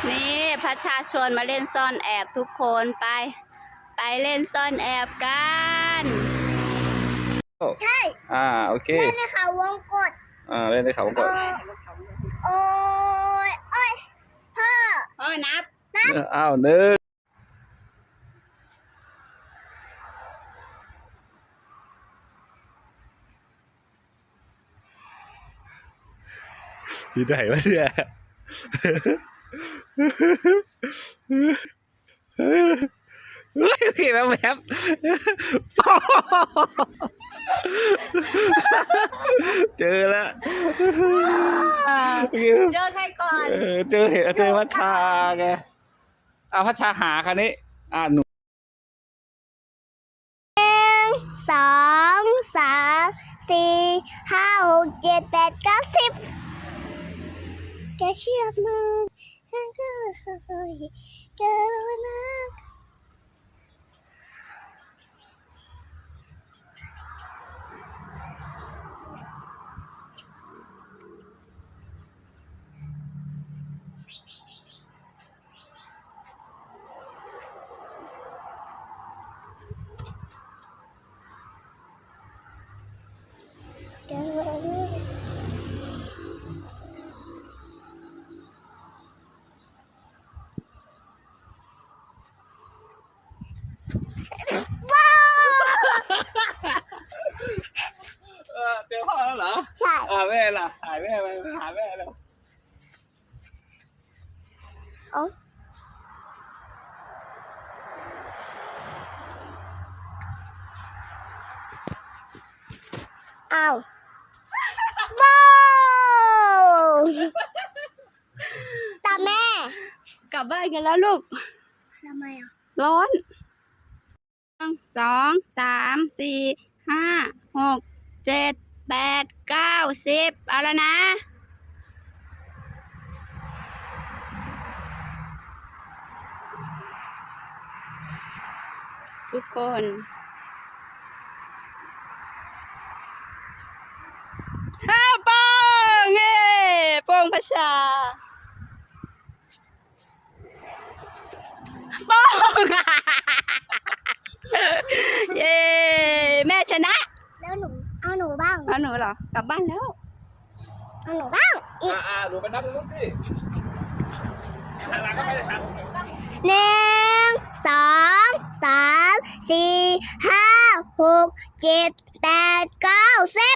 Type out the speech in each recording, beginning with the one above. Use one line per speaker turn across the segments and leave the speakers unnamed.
นี่ประชาชนมาเล่นซ่อนแอบทุกคนไปเล่นซ่อนแอบกัน
ใช่
โอเค
เล่นในเขาวงกต
เล่นในเขาวงกต
โอ้ย
พ่อนับ
หนึ่งอยู่ไหนวะเนี่ยโอเคแป๊บเจอแล้ว
เจอใครก่อน
เจอพัชชาไงพัชชาหาคันนี้หนู
1 2 3 4 5 6 7 8 9 10แกเชื่อมันฉันก็เคยเกินนะ
เจอพ่อแล้วเหรอ
ใช่
แม่ล่ะหายแม่ไปหาแม่แล้ว
อ้าวโบตาแม่
กลับบ้านกันแล้วลูก
ทำไม
ร้อน2 3 4 5 6 7 8 9 10เอาแล้วนะทุกคนโป้งโป้งประชาโป้งเย้แม่ชนะ
แล้วเอาหนูบ้าง
เอาหนูเหรอกลับบ้านแล้ว
เอาหนูบ้างอีก
หนูไปนับดูสิหลังก็ไม่ได้ทำ
1 2 3 4 5 6 7 8 9 10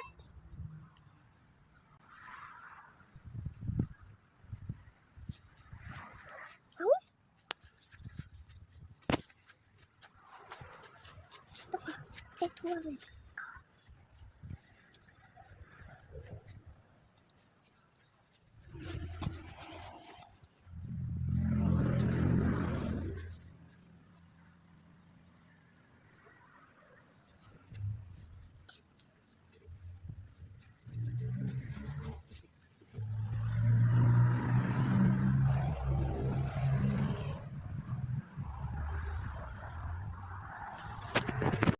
เช็ดทั่วเลย